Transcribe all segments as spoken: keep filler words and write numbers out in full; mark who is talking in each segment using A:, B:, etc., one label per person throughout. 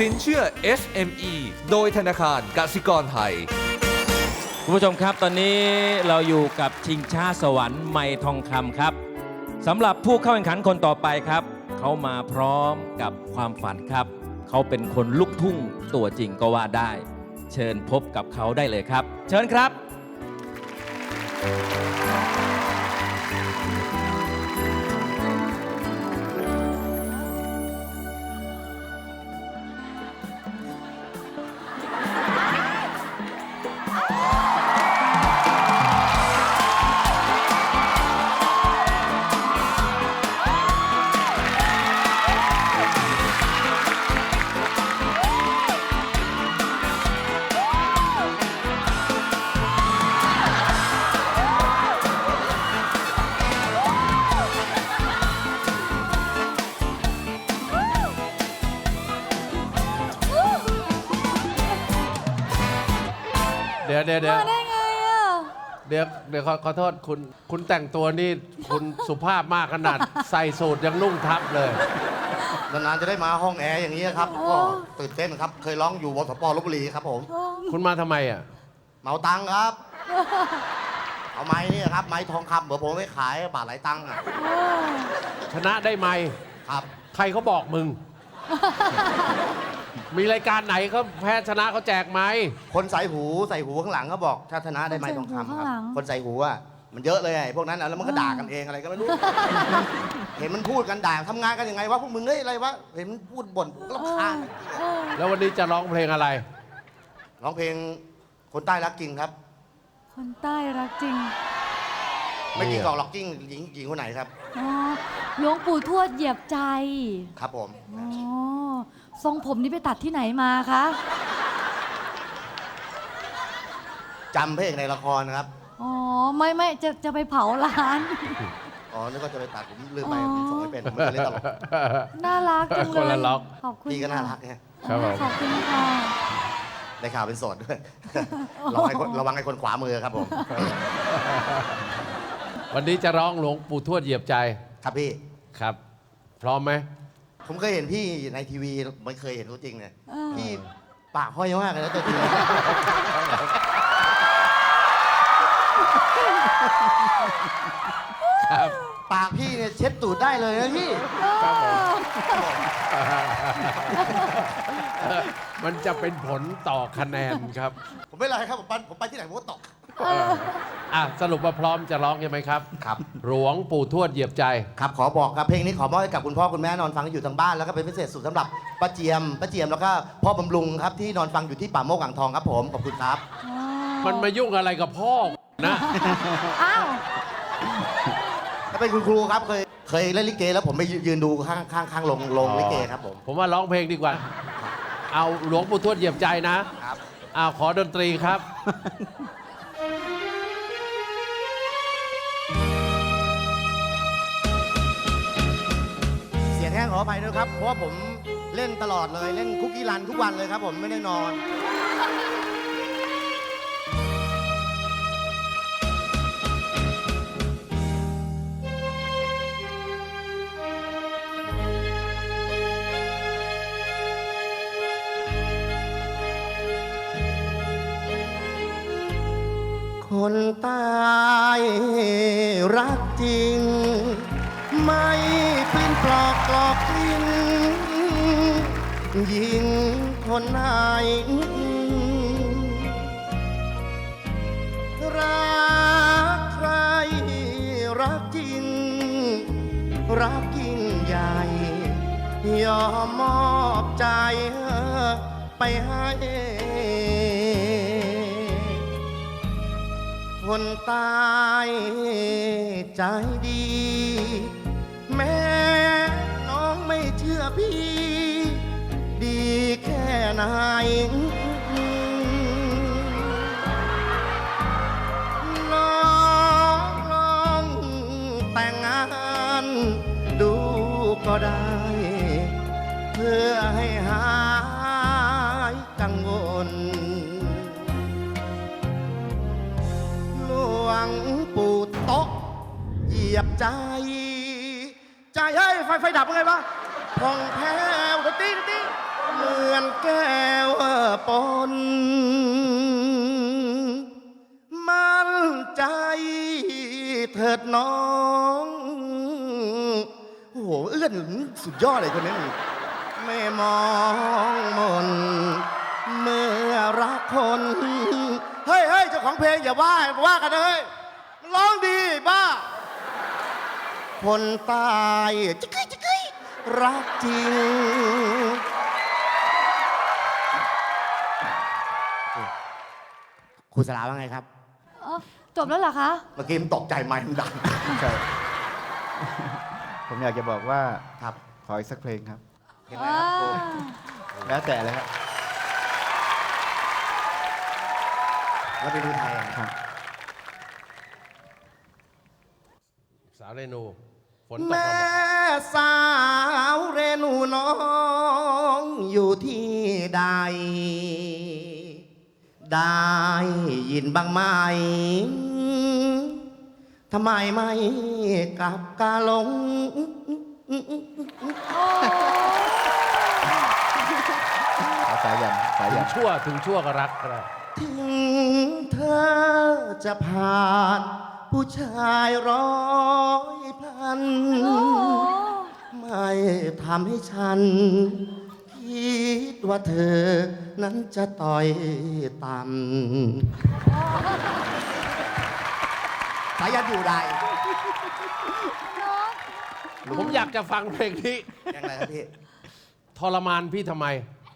A: สินเชื่อ เอส เอ็ม อี โดยธนาคารกสิกรไทย
B: คุณผู้ชมครับตอนนี้เราอยู่กับชิงช้าสวรรค์ไมค์ทองคำครับสำหรับผู้เข้าแข่งขันคนต่อไปครับเขามาพร้อมกับความฝันครับเขาเป็นคนลูกทุ่งตัวจริงก็ว่าได้เชิญพบกับเขาได้เลยครับเชิญครับ
C: เดี๋ยวเดี๋ยวเดี๋ยว
D: มาได้ไงอ่ะ
C: เดี๋ยวเดี๋ยวขอขอโทษคุณคุณแต่งตัวนี่คุณสุภาพมากขนาด ใส่สูทยังนุ่งทับเลย
E: นานๆจะได้มาห้องแอร์อย่างนี้ครับก็ตื่นเต้นครับเคยร้องอยู่วสปลพบุรีครับผม
C: คุณมาทำไมอ่ะ
E: เหมาตังค์ครับ เอาไม้นี่ครับไม้ทองคำเดี๋ยวผมไปขายบาทหลายตังค์อะ
C: ชนะได้ไหม
E: ครับ
C: ใครเขาบอกมึง มีรายการไหนเขาแพ้ชนะเขาแจกไหม
E: คนใส่หูใส่หูข้างหลังเขาบอกถ้าชนะได้ไม้ทองคำครับคนใส่หูอ่ะมันเยอะเลยไอ้พวกนั้นอะแล้วมันก็ด่ากันเองอะไรก็ไม่รู้ เห็นมันพูดกันด่าทำงานกันยังไงวะพวกมึงเฮ้ยอะไรวะเห็นมันพูดบ่นก็รำคาญ
C: แล้ววันนี้จะร้องเพลงอะไร
E: ร้องเพลงคนใต้รักจริงครับ
D: คนใต้รักจริง
E: ไม่จริงหรอกหรอกจริงหญิงหญิงคนไหนครับ
D: อ๋อหลวงปู่ทวดเหยียบใจ
E: ครับผม
D: อ๋อทรงผมนี่ไปตัดที่ไหนมาคะ
E: จำเพลงในละครนะครับ
D: อ๋อไม่ไม่จะจะไปเผาร้าน
E: อ๋อนึกว่าจะไปตัดผมลืมไปผมส่งไม่เป็นผมไม่เคยเล่นตลก
D: น่ารักจังเลย
C: คนละล็อก
D: ขอบคุณ
E: พี่ก็น่ารัก
D: ค่ะ
E: ไง
C: ครับผม
D: ขอบคุณค่ะ
E: ได้ข่าวเป็นโสดด้วย ระวังให้คนระวังให้คนขวามือครับผม
C: วันนี้จะร้องหลวงปู่ทวดเหยียบใจ
E: ครับพี่
C: ครับ พร้อมไหม
E: ผมเคยเห็นพี่ในทีวีไม่เคยเห็นตัวจริงเนี่ย
D: เออ
E: พี่ปากห้อยมากเลยนะตัวจริง
C: ครับ
E: ปากพี่เนี่ยเช็ดตูดได้เลยนะพี่
C: ครับผม มันจะเป็นผลต่อคะแนนครับ
E: ผมไม่เป็นไรครับผมไปผมไปที่ไหนผมก็ตก
C: อ่ะสรุปว่าพร้อมจะร้องใช่ไหมครับ
E: ครับ
C: หลวงปู่ทวดเหยียบใจ
E: ครับขอบอกครับเพลงนี้ขอมอบให้กับคุณพ่อคุณแม่นอนฟังอยู่ทางบ้านแล้วก็เป็นพิเศษสุดสำหรับป้าเจียมป้าเจียมแล้วก็พ่อบำรุงครับที่นอนฟังอยู่ที่ป่าโมกอ่างทองครับผมขอบคุณครับ
C: มันมายุ่งอะไรกับพ่อนะ
D: อ้าว
E: ถ้าเป็นคุณครูครับเคยเคยเล่นลิเกแล้วผมไปยืนดูข้างข้างข้างลงลงลิเกครับผม
C: ผมว่าร้องเพลงดีกว่า เอาหลวงปู่ทวดเหยียบใจนะครับ เอาขอดนตรีครับ
E: เสียงแห้งขออภัยด้วยครับเพราะว่าผมเล่นตลอดเลยเล่นคุกกี้รันทุกวันเลยครับผมไม่ได้นอน คนตายรักจริง ไม่เป็นปลอกกลอกจริงยิงคนไหนรักใครรักจริง รักยิ่งใหญ่ ยอมมอบใจไปให้คนตายใจดี แม่น้องไม่เชื่อพี่ ดีแค่ไหนลองลองแต่งงานดูก็ได้ เพื่อให้หายกังวลหลวงปู่โต๊ะเหยียบใจ ใจเฮ้ยไฟไฟดับยังไงวะพองแผ้วดนตรีดนตรีเหมือนแก้วปนมั่นใจเถิดน้องโอ้โหเอื้อนสุดยอดเลยคนนี้ไม่มองมนเมื่อรักคนเฮ้ยเฮ้ยเจ้าของเพลงอย่าว่าว่ากันเลยมันร้องดีบ้าคนตายจิกกี้จิกกี้รักจริงครูสลาว่าไงครับ
D: เอ้าจบแล้วเหรอคะ
E: เมื่อกี้มันตกใจไหมมันดัง
F: ใช่ ผมอยากจะบอกว่า
E: ครับ
F: ขออีกสักเพลงครับ
E: เห็นไหมครับครู
F: แล้วแต่เลยครับ
E: แล้วไปดูไทยอ่ะ
F: ครับ
C: สาวเรนูฝนตก
E: แม่
C: มาบอก
E: สาวเรนูน้องอยู่ที่ใด ได้ยินบ้างไหมทำไมไม่กลับกาลง
F: เอาสายันสา
C: ถึ
F: ยั
C: ง
F: น
C: ชั่วถึงชั่วก็รักก็ได้
E: ถึงเธอจะผ่านผู้ชายร้อยพัน
D: โอ้โห
E: ไม่ทำให้ฉัน คิดว่าเธอนั้นจะต่อยต่ำสายันอยู่ใด
C: ผมอยากจะฟังเพลงนี้
E: ยังไงครับพี่
C: ทรมานพี่ทำไม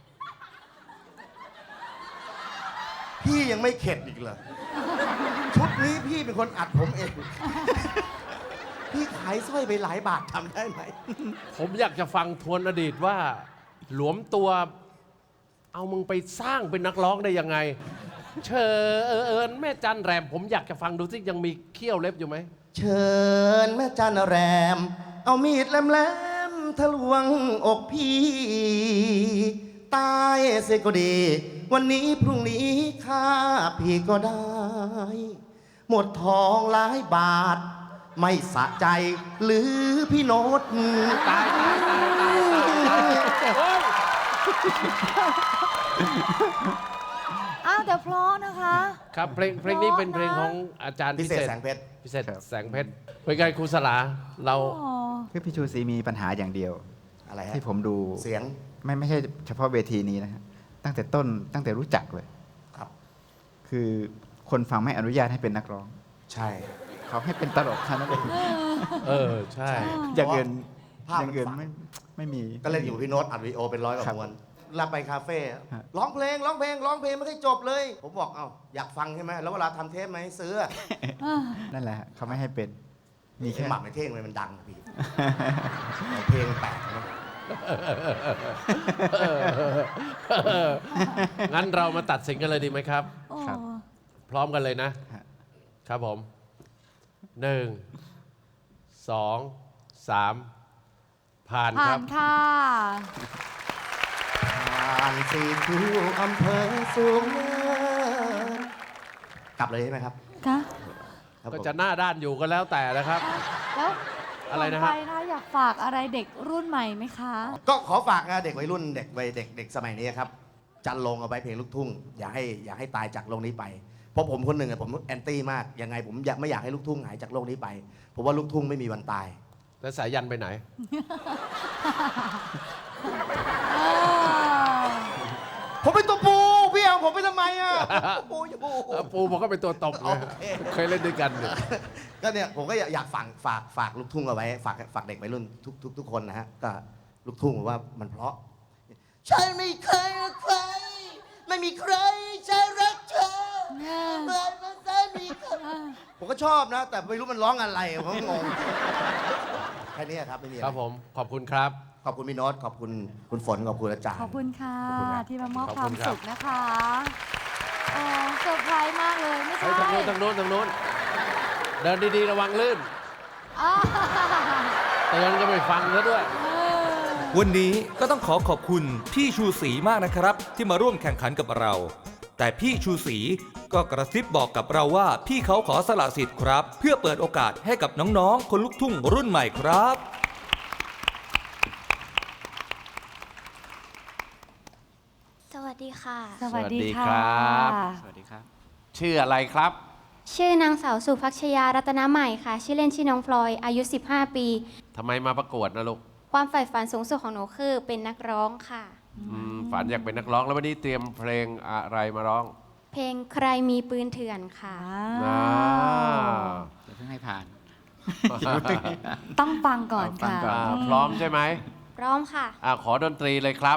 E: พี่ยังไม่เข็ดอีกเหรอ ชุดนี้พี่เป็นคนอัดผมเอง พี่ขายสร้อยไปหลายบาททำได้ไหม
C: ผมอยากจะฟังทวนอดีตว่า หลวมตัว เอามึงไปสร้างเป็นนักร้องได้ยังไง เชิญแม่จันแรม ผมอยากจะฟังดูสิยังมีเขี้ยวเล็บอยู่ไหม
E: เชิญแม่จันแรม เอามีดแหลมๆทะลวงอกพี่ ตายเสียก็ดี วันนี้พรุ่งนี้ข้าพี่ก็ได้ หมดทองหลายบาท ไม่สะใจหรือพี่โน้ต
C: ตายตายตายตายตายตายโอ๊ย
D: อ้าวแต่เพราะนะคะ
C: ครับเพลงเพลงนี้เป็นเพลงของอาจารย์
E: พิ
C: พิ
E: เศ
C: เศ
E: ษ
C: ษ
E: แสงเพชร
C: พิเศษแสงเพชรเป็นไงครูสลาเรา
D: อ๋อ
F: คือพี่ชูศรีมีปัญหาอย่างเดียว
E: อะไรฮะ
F: ที่ผมดู
E: เสียง
F: ไม่ไม่ใช่เฉพาะเวทีนี้นะฮะตั้งแต่ต้นตั้งแต่รู้จักเลย
E: ครับ
F: คือคนฟังไม่อนุญาตให้เป็นนักร้อง
E: ใช่
F: เขาให้เป็นตลกเท่านั้นเอง
C: เออ ใช่
F: อย่างเงิน
E: ภาพ
F: อ
E: มัน
F: ย่างเงิน
E: ฝัง
F: ไม่ไม่มี
E: ก็เล่นอยู่พี่โน้ตอัดวีดีโอเป็นร้อยกว่า
F: ครับ
E: มวนรับไปคาเฟ่
F: ฮะ
E: ร้องเพลงร้องเพลงร้องเพลงไม่ได้จบเลย ผมบอกเอ้าอยากฟังใช่ไหมแล้วเวลาทำเทปมาให้ซื้อ
D: อ่า
F: นั่นแหละฮะเขาไม่ให้เป็น มี
E: ไอ้
F: แค่
E: หมักในเท่งเลยมันดังพี่ เพลงแปลกนะ
C: งั้นเรามาตัดสินกันเลยดีไหมครับ
D: โอ้
F: ครับ
C: พร้อมกันเลยนะ
F: ฮะ
C: ครับผมหนึ่งสองสามผ่านค
D: ผ่า
C: รั
D: น
C: บ
D: ค่ะ
E: ผ่านสี่คิวอำเภอสูงเนินกลับเลยใช่ไหมครับ
D: คะ
E: ครับ
C: ก็
E: ผม
C: จะหน้าด้านอยู่ก็แล้วแต่นะครับ
D: แล้ว
C: อะไรนะ
D: ก่
C: ฮะ
D: ไปนะอยากฝากอะไรเด็กรุ่นใหม่ไหมคะ
E: ก็ขอฝากนะเด็กวัยรุ่นเด็กวัยเด็กเด็กสมัยนี้ครับ จันลงเอาไว้เพลงลูกทุ่ง อย่าให้อย่าให้ตายจากโลกนี้ไป เพราะผมคนหนึ่งอะผมแอนตี้มาก ยังไงผมอยากไม่อยากให้ลูกทุ่งหายจากโลกนี้ไป ผมว่าลูกทุ่งไม่มีวันตาย
C: แล้วสายยันไปไหน
D: เออ
E: ผมเป็นตัวปูพี่เอาผมไปทำไมอ่ะปูอยู่
C: เออปูมันก็เป็นตัวตบไง
E: โอเค
C: เคยเล่นด้วยกันเนี่ย
E: ก็เนี่ยผมก็อยากฝากฝากฝากลูกทุ่งเอาไว้ ฝากฝากเด็กวัยรุ่นทุกทุกทุกคนนะฮะก็ลูกทุ่งผมว่ามันเพราะ ฉันไม่เคยรักใคร ไม่มีใครจะรักเธอ
D: เนี่ย
E: เหมือนมันจะมีใครผมก็ชอบนะ แต่ไม่รู้มันร้องอะไรผมก็งงแค่นี้ครับไม่มีอะ
C: ค
E: ไร
C: รับผมขอบคุณครับ
E: ขอบคุณพี่โน้ตขอบคุณคุณฝนขอบคุณอาจารย์
D: ขอบคุณค่ะ
E: ขอบคุณครับ
D: ที่มามอบ
C: ขอบ
D: ควา
C: คุ
D: ม
C: ณครับ
D: สุขนะคะโอ้เซอร์ไพรส์มากเลยไม่
C: เฮ้
D: ใช่
C: ยทางโน้นทางโน้นทางโน้น เดินดีๆระวังลื่น
D: อ่า
C: เตือนก็ไม่ฟังซะด้วย
D: เออ
A: วันนี้ก็ต้องขอขอบคุณพี่ชูศรีมากนะครับ ที่มาร่วมแข่งขันกับเรา แต่พี่ชูศรีก็กระซิบบอกกับเราว่าพี่เขาขอสละสิทธิ์ครับ เพื่อเปิดโอกาสให้กับน้องๆ คนลุกทุ่งรุ่นใหม่ครับ
G: ดีค่ะ
D: สวัสดี
C: สวัสดีค
D: ค่ะ
C: รับ
F: สวัสดีครับ
C: ชื่ออะไรครับ
G: ชื่อนางสาวสุภักชยารัตนใหม่ค่ะ ชื่อเล่นชื่อน้องพลอย อายุ สิบห้า ปี
C: ทำไมมาประกวดนะลูก
G: ความใฝ่ฝันสูงสุดของหนูคือเป็นนักร้องค่ะ
C: อืมฝันอยากเป็นนักร้องแล้ววันนี้เตรียมเพลงอะไรมาร้อง
G: เพลงใครมีปืนเถื่อนค่ะ
C: อ่า
F: เดี๋ยวเพิ่งให้ผ่าน
D: ต้องฟังก่อน
F: ฟัง
D: ค่ะ
F: ก่อน
C: อ่าพร้อมใช่ไหม
G: พร้อมค่ะ
C: อ่าขอดนตรีเลยครับ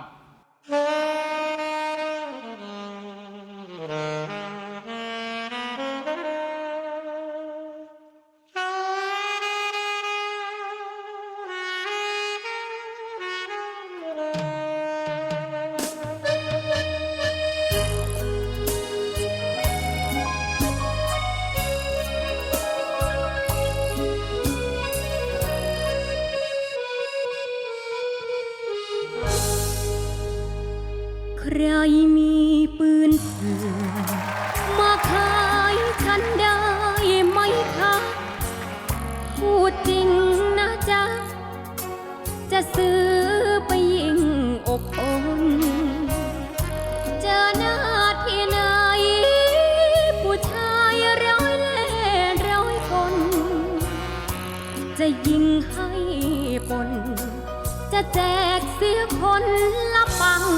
H: ใครมีปืนเถื่อนมาขายฉันได้ไหมคะพูดจริงนะจ๊ะ จะซื้อไปยิงอกคนเจอหน้าที่ไหน ผู้ชายร้อยเล่ร้อยคน จะยิงให้ปน จะแจกเสียคนละปัง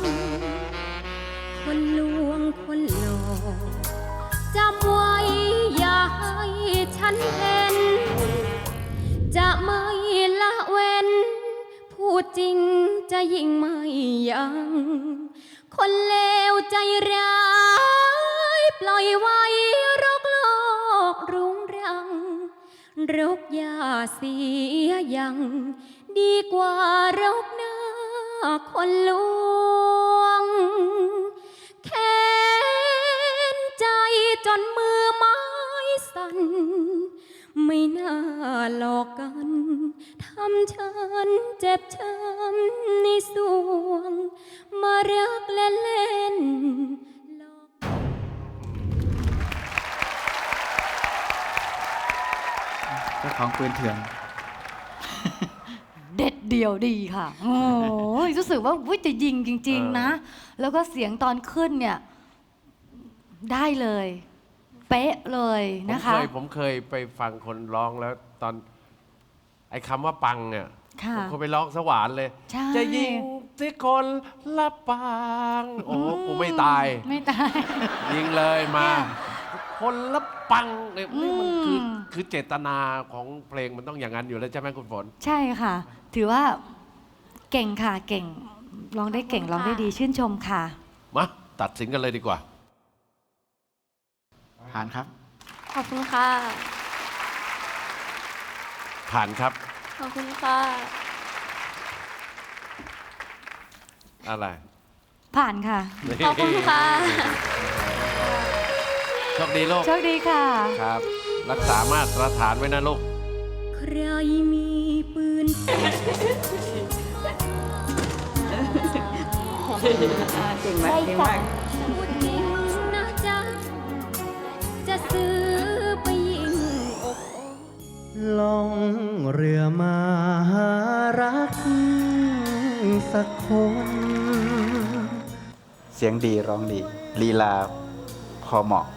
H: คนลวงคนหลอกจำไว้อย่าให้ฉันเห็น จะไม่ละเว้น พูดจริงจะยิ่งไม่ยัง คนเลวใจร้ายปล่อยไว้รกโลกรุงรัง รกยาเสียยัง ดีกว่ารกหน้าคนลวง แค้นใจจนมือไม้สั่น ไม่น่าหลอกกัน ทำฉันเจ็บช้ำในสวง มารักเล่นเล่นหลอก
F: เจ้าของปืนเถื่อน
D: เด็ดเดียวดีค่ะ โอ้ยรู้สึกว่าอุ๊ยจะยิงจริง ๆ นะ แล้วก็เสียงตอนขึ้นเนี่ย ได้เลย เป๊ะเลย
C: ผม
D: นะคะ
C: เคยผมเคยไปฟังคนร้องแล้วตอน ไอ้คำว่าปังเนี่ย
D: ค่ะ
C: ผมก็ไปร้องสวรรค์เลย
D: ใช่
C: จะยิงที่คนละปัง โอ้โหกูไม่ตาย
D: ไม่ตาย
C: ยิงเลยมา
D: เนี่ย
C: คนละปังเนี่ยนี่มันคือ
D: อืม
C: คือเจตนาของเพลงมันต้องอย่างนั้นอยู่แล้วใช่ไหมคุณฝน
D: ใช่ค่ะ ถือว่าเก่งค่ะ เก่ง ร้องได้เก่ง ร้องได้ดีชื่นชมค่ะ
C: มาตัดสินกันเลยดีกว่า
F: ผ่านครับ
G: ขอบคุณค่ะ
C: ผ่านครับ
G: ขอบคุณค่ะ
C: อะไร
D: ผ่านค่ะ
G: ขอบคุณค่ะ
C: โชคดีลูก
D: โชคดีค่ะ
C: ครับ รักษามาตรฐานไว้นะลูก
H: ใครมีปืน
G: เก่งมากเก่งมาก
H: พูดจริงนะจ๊ะ จะซื้อไปยิงอกคน
I: ล่องเรือมาหารักสักคน
F: เสียงดีร้องดีลีลาพอเหมาะ